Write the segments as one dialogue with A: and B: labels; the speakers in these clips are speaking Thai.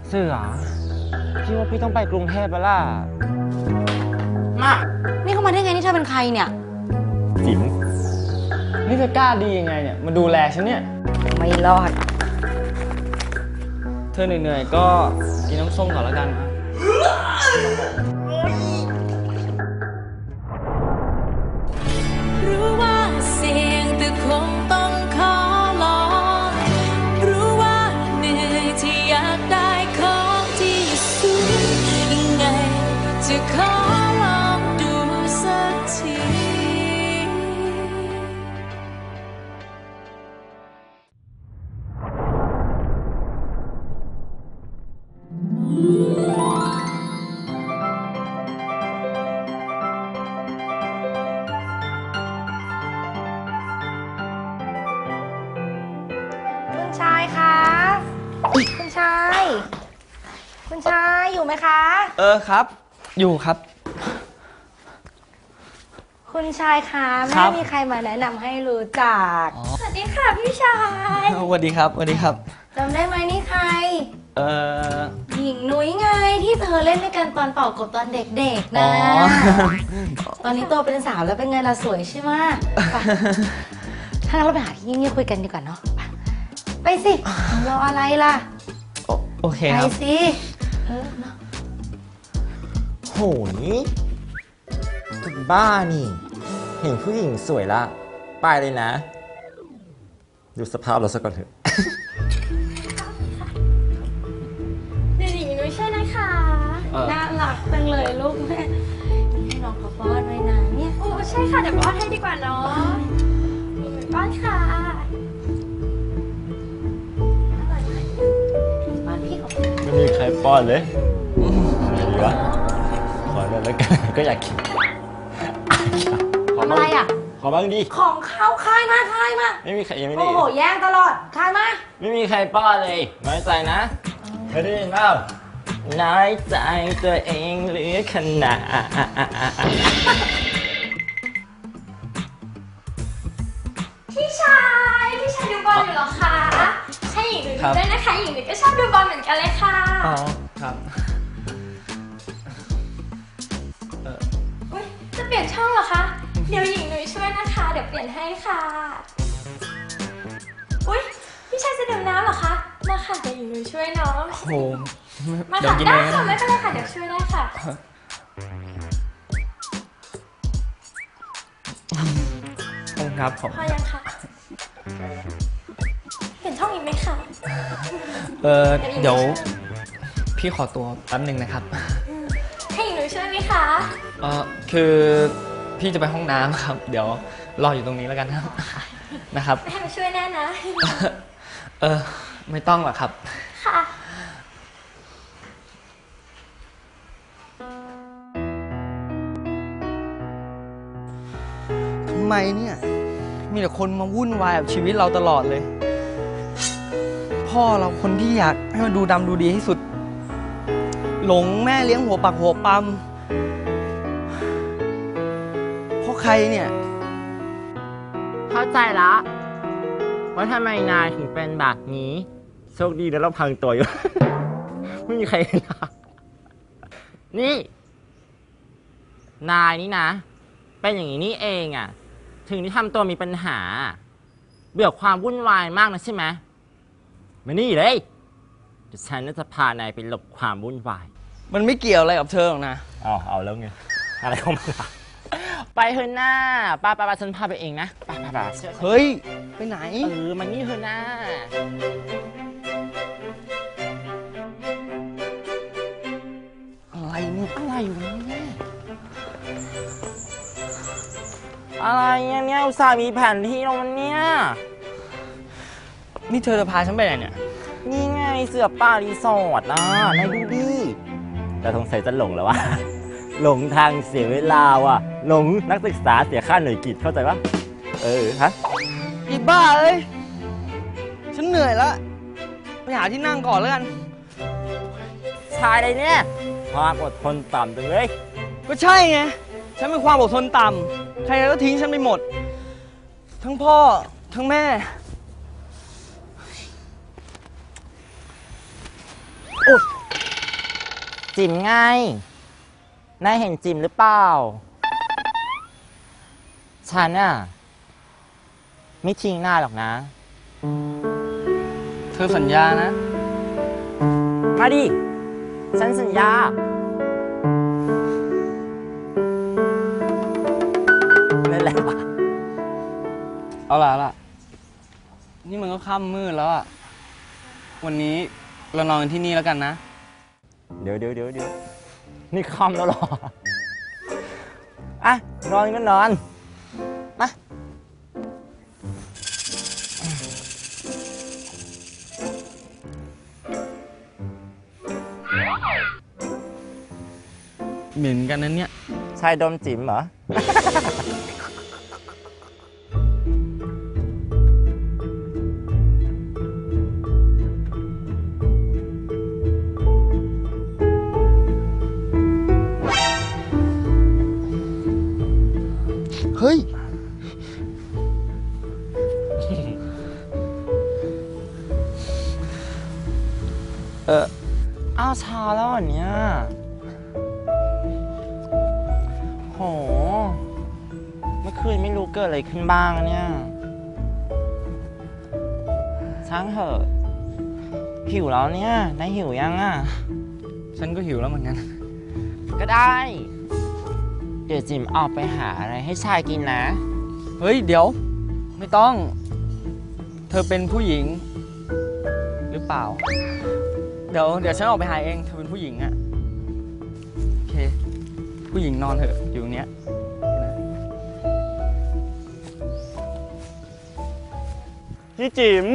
A: เสือพี่ว่าพี่ต้องไปกรุงเทพแล้วล่ะมา
B: นี่เข้ามาได้ไงนี่เธอเป็นใครเนี่ย
A: จิ๋มนี่เธอกล้าดียังไงเนี่ยมาดูแลฉันเนี่ย
B: ไม่รอด
A: เธอเหนื่อยๆก็กินน้ำส้มก่อนแล้วกันนะ
C: รู้ว่าเสี่ยงแต่คงต้องขอลองรู้ว่าเหนื่อยที่อยากได้ของที่สูงยังไงจะขอลองดูสักที
B: คุณชายคะคุณชายอยู่ไหมคะ
A: ครับอยู่ครับ
B: คุณชายคะไม่มีใครมาแนะนำให้รู้จักสวัสดีค่ะพี่ชาย
A: สวัสดีครับสวัสดีครับ
B: จำได้ไหมนี่ใครหญิงนุ้ยไงที่เธอเล่นด้วยกันตอนเป่ากบตอนเด็กๆนะตอนนี้โตเป็นสาวแล้วเป็นไงล่ะสวยใช่ไหมถ้างั้นเราไปหาที่เงียบๆคุยกันดีกว่าเนาะไปสิรออะไรล่ะ
A: โอเคครับ
B: ไปสิ
D: โหยถึงบ้านี่เห็นผู้หญิงสวยละไปเลยนะดูสภาพเราซะก่อนเถอะ
C: เด็กหญิงนุ้ยใช่นะคะ
B: น่ารักจังเลยลูกแม่ให้น้องเขาป้อนไว้นะเนี่ย
C: โอ้ใช่ค่ะเดี๋ยวป้อนให้ดีกว่าเนาะป้อนค่ะ
B: ป้อนพี่เขา
D: ไม่มีใครป้อนเลยดีวะขอเลยแล้วกันก็อยากกิน
B: ทำอะไรอ่ะ
D: ขอบ้างดิ
B: ของเขาคายมา
D: ไม่มีใครยังไม่ได้
B: โอ้โหแย่งตลอดคายมา
D: ไม่มีใครป้อนเลยน้อยใจนะเคยได้ยินเปล่าน้อยใจตัวเองเหลือขนาด
C: พี่ชายดูบอลอยู่เหรอคะให้หญิงดูด้วยนะคะหญิงก็ชอบดูบอลเหมือนกันเลยค่ะ
A: อ๋อครับ
C: จะเปลี่ยนช่องเหรอคะเดี๋ยวหญิงนุ้ยช่วยนะคะเดี๋ยวเปลี่ยนให้ค่ะอุ๊ยพี่ชายจะดื่มน้ำเหรอคะมาค่ะเดี๋ยวหญิงนุ้ยช่วยน้อง
A: โอ้โห
C: มาค่ะได้ค่ะไม่เป็นไรค่ะเดี๋ยวช่วยได้ค่ะ
A: ครับผม
C: พอยังคะเปลี่ยนช่องอีกไหมคะ
A: เดี๋ยวพี่ขอตัวแป๊บนึงนะครับ
C: ให้หญิงนุ้ยช่วยไหมคะ
A: คือพี่จะไปห้องน้ำครับเดี๋ยวรออยู่ตรงนี้แล้วกันครับนะครับ
C: ให้มาช่วยแน่นะ
A: ไม่ต้องหรอกครับ
C: ค่ะ
A: ทำไมเนี่ยมีแต่คนมาวุ่นวายกับชีวิตเราตลอดเลยพ่อเราคนที่อยากให้มันดูดำดูดีที่สุดหลงแม่เลี้ยงหัวปักหัวปั๊มเพราะใครเนี่ย
D: เข้าใจละว่าทำไมนายถึงเป็นแบบนี้โชคดีแล้วเราพังตัวอยู่ ไม่มีใครเห็นนี่นายนี่นะเป็นอย่างนี้นี่เองอ่ะถึงที่ทำตัวมีปัญหาเบื่อความวุ่นวายมากนะใช่ไหมมานี่เลยเดี๋ยวฉันจะพานายไปหลบความวุ่นวาย
A: มันไม่เกี่ยวอะไรกับเธอหรอกนะ
D: เอาแล้วไงอะไรของมันล่ะไปเถอะหน้าป้าฉันพาไปเองนะป้า
A: เฮ้ยไปไหน
D: มันนี่เถอะหน้า
A: อะไรเนี่ย
D: อะไรอยู่เนี่ยอะไรเนี่ยอุตส่าห์มีแผนที่เราวันเนี้ย
A: นี่เธอจะพาฉันไปไหนเนี่ย
D: นี่ไงเสือป่ารีสอร์ทนะนายดูดิแต่สงสัยจะหลงแล้ววะหลงทางเสียเวลาว่ะหลงนักศึกษาเสียค่าหน่วยกิจเข้าใจปะฮะ
A: อีบ้าเอ้ยฉันเหนื่อยแล้วไปหาที่นั่งก่อนแล้วกัน
D: ชายอะไรเนี่ยความอดทนต่ำจังเลย
A: ก็ใช่ไงฉันมีความอดทนต่ำใครก็ทิ้งฉันไปหมดทั้งพ่อทั้งแม่โอ๊ย
D: จิ๋มไงนายเห็นจิ๋มหรือเปล่าฉันน่ะไม่ทิ้งนายหรอกนะ
A: เธอสัญญานะ
D: มาดิ ฉันสัญญาเล่นอะไรวะ
A: เอาล่ะ นี่มันก็ค่ำมืดแล้วอะวันนี้เรานอนกันที่นี่แล้วกันนะ
D: เดี๋ยวนี่คอมแล้วหรอ อ่ะ นอนก็นอน มา
A: เหม็นกันนั้นเนี่ย
D: ชายดมจิ๋มเหรอ
A: เฮ้ย
D: อ้าวเช้าแล้วเหรอเนี่ยโห เมื่อคืนไม่รู้เกิดอะไรขึ้นบ้างเนี่ยช่างเถอะหิวแล้วเนี่ยนายหิวยังอ่ะ
A: ฉันก็หิวแล้วเหมือนกัน
D: ก็ได้ เดี๋ยวจิ๋มออกไปหาอะไรให้ชายกินนะ
A: เฮ้ย เดี๋ยว ไม่ต้อง เธอเป็นผู้หญิง หรือเปล่า เดี๋ยวฉันออกไปหาเอง เธอเป็นผู้หญิงอะโอเค ผู้หญิงนอนเถอะ อยู่ตรงเนี้ย
E: พี่จิ๋ม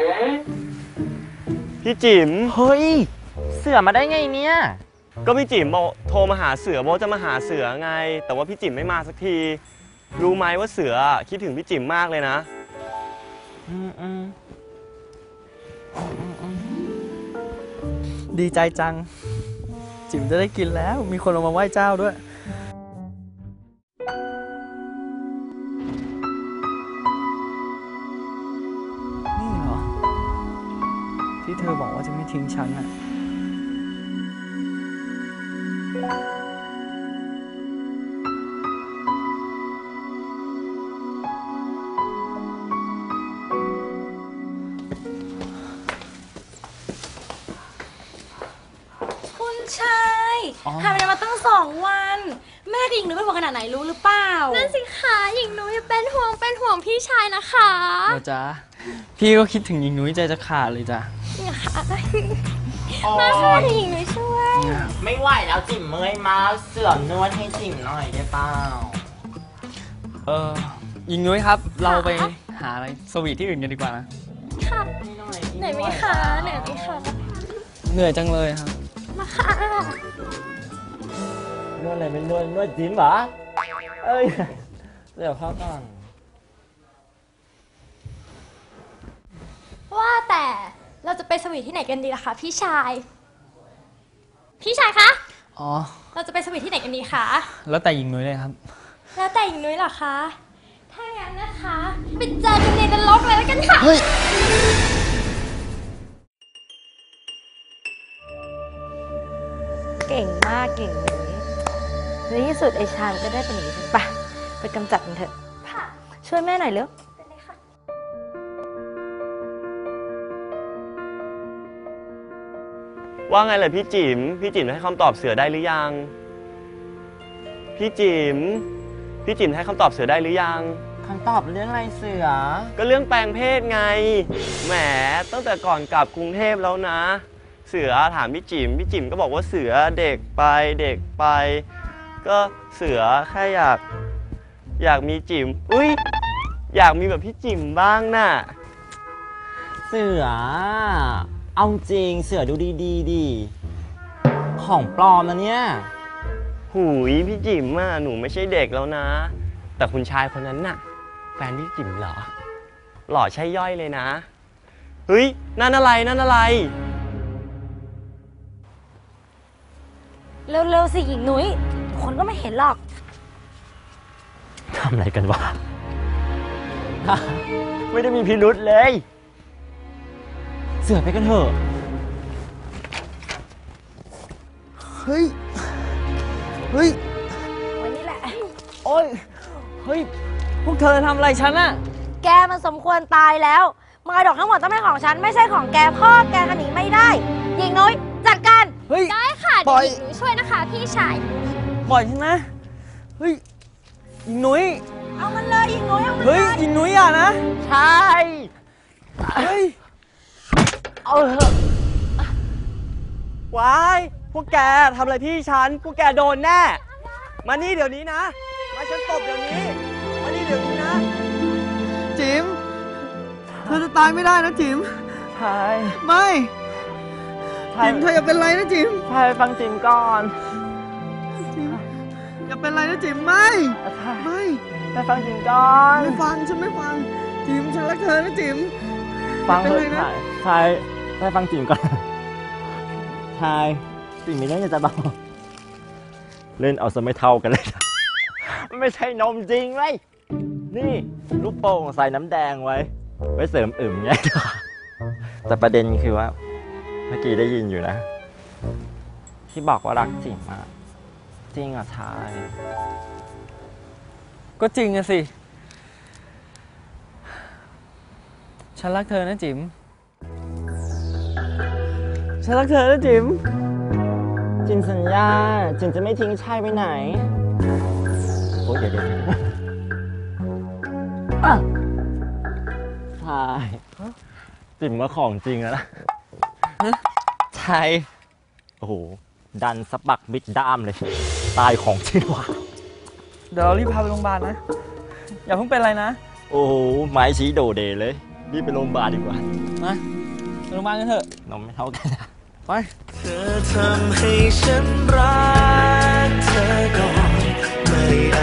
E: พี่จิ๋ม
D: เฮ้ย เสือมาได้ไงเนี่ย
E: ก็พี่จิ๋มบอกโทรมาหาเสือบอกจะมาหาเสือไง แต่ว่าพี่จิ๋มไม่มาสักที รู้ไหมว่าเสือคิดถึงพี่จิ๋มมากเลยนะ
A: ดีใจจัง จิ๋มจะได้กินแล้ว มีคนเอามาไหว้เจ้าด้วย นี่เหรอ ที่เธอบอกว่าจะไม่ทิ้งฉันอะ
B: คุณชายหายไปมาตั้ง2 วัน แม่กับหญิงนุ้ยเป็นห่วงขนาดไหนรู้หรือเปล่า
F: นั่นสิคะหญิงนุ้ยเป็นห่วงพี่ชายนะคะ
A: เหรอจ๊ะ พี่ก็คิดถึงหญิงนุ้ยใจจะขาดเลยจ้ะ
F: มาค่ะหญิงนุ้ยช่วย
D: ไม่ไหวแล้วจิ๋มเมื่อยมากเสือนวดให้จิ๋มหน่อยได้เปล่า
A: หญิงนุ้ยครับ เราไปหาอะไรสวีทที่อื่นกันดีกว่านะ
F: ค่ะไหนไหมคะไหนไหมคะ
A: เหนื่อยจังเลยครับ
F: มาค่ะ
D: นวดอะไรเป็นนวดจิ๋มเหรอ เอ้ย เดี๋ยวเข้าก่อน
F: ว่าแต่เราจะไปสวีทที่ไหนกันดีล่ะคะพี่ชาย พี่ชายคะ
A: อ๋อ
F: เราจะไปสวีทที่ไหนกันดีคะ
A: แล้วแต่หญิงนุ้ยเลยครับ
F: แล้วแต่หญิงนุ้ยเหรอคะ ถ้างั้นนะคะไปเจอกันในนรกเลยแล้วกันค่ะ
A: เฮ้ย
B: เก่งมากเก่งนุ้ยในที่สุดไอ้ชามก็ได้เป็นอย่างนี้ไปไปกำจัดมันเถอะ
F: ค่ะ
B: ช่วยแม่หน่อยเร็ว
F: เป็นเลยค่ะ
E: ว่าไงล่ะพี่จิ๋ม พี่จิ๋มให้คำตอบเสือได้หรือยัง พี่จิ๋ม พี่จิ๋มให้คำตอบเสือได้หรือยัง
D: คำตอบเรื่องอะไรเสือ
E: ก็เรื่องแปลงเพศไง แหม ตั้งแต่ก่อนกลับกรุงเทพแล้วนะ เสือถามพี่จิ๋ม พี่จิ๋มก็บอกว่าเสือเด็กไปเด็กไป ก็เสือแค่อยากมีจิ๋ม อุ้ยอยากมีแบบพี่จิ๋มบ้างน่ะ
D: เสือ เอาจริงเสือดูดีๆดิ ของปลอมนะเนี่ย
E: หูยพี่จิ๋มอ่ะหนูไม่ใช่เด็กแล้วนะ แต่คุณชายคนนั้นน่ะ แฟนพี่จิ๋มเหรอ หล่อใช่ย่อยเลยนะ เฮ้ยนั่นอะไรนั่นอะไร
B: เร็วๆสิหญิงนุ้ยคนก็ไม่เห็นหรอก
D: ทำอะไรกันวะ ไม่ได้มีพิรุษเลย เสือไปกันเถอะ
A: เฮ้ย เฮ้ย
B: วันนี้แหละ
A: โอ้ย เฮ้ย พวกเธอทำอะไรฉันอะ
B: แกมันสมควรตายแล้วมรดกทั้งหมดต้องเป็นของฉันไม่ใช่ของแกพ่อแกหนีไม่ได้หญิงนุ้ยจัดการ
A: เฮ้ย
F: ได้ค่ะ
A: ปล่
F: เดี๋ย
A: อ
F: วย หญิงนุ้ยช่วยนะคะพี่ชาย
A: ปล่อยฉันนะ เฮ้ยหญิงนุ้ย
B: เอามันเลยหญิงนุ้ยเอามัน
A: เฮ้ยหญิงนุ้ยอย่านะ
D: ใช่
A: เฮ้ย
D: เอาเถอะ
E: ว้าย พวกแกทำอะไรพี่ฉัน พวกแกโดนแน่ มานี่เดี๋ยวนี้นะ มาฉันตบเดี๋ยวนี้ มานี่เดี๋ยวนี้นะ
A: จิ๋มเธอจะตายไม่ได้นะจิ๋ม
D: ใช่
A: ไม่
D: ใช่
A: จิ๋มเธออย่าเป็นไรนะจิ๋ม
D: ใช่ฟังจิมก่อน
A: จิ๋มอย่าเป็นไรนะจิ๋มไม่
D: ใช่
A: ไม่
D: ใช่ฟังจิมก่อน
A: ไม่ฟังฉันไม่ฟัง จิ๋มฉันรักเธอนะจิ๋ม
D: ฟังเถ
A: เป็นไร
D: อะ
A: นะ
D: ใช่ใช่ฟังจิมก่อนใช่จิมมีเรื่องจะบอกเล่นเอาซะไม่เท่ากันเลยนะไม่ใช่นมจริงเลยนี่ลูกโป่งใส่น้ำแดงไว้เสริมอึมไงแต่ประเด็นคือว่าเมื่อกี้ได้ยินอยู่นะ ที่บอกว่ารักจิ๋มอะจริงเหรอชาย
A: ก็จริงอะสิ ฉันรักเธอนะจิ๋ม ฉันรักเธอนะจิ๋ม
D: จิ๋มสัญญาจิ๋มจะไม่ทิ้งชายไปไหนโอ้ยเดี๋ยวชายจิ๋มว่าของจริงแล้วนะ
A: ใช่
D: โอ้โหดันสะบักบิดด้ามเลยตายของจริงว่ะ
A: เดี๋ยวเรารีบพาไปโรงพยาบาลนะ อย่าเพิ่งเป็นอะไรนะ
D: โอ้โหไม้ชี้โดเดเลยรีบไปโรงพยาบาลดีกว่า
A: มาไปโรงพยาบาลกันเถอะ
D: นมไม่เท่ากันนะ
A: ไป
G: เธอทำให้ฉันรักเธอก่อนไม่อา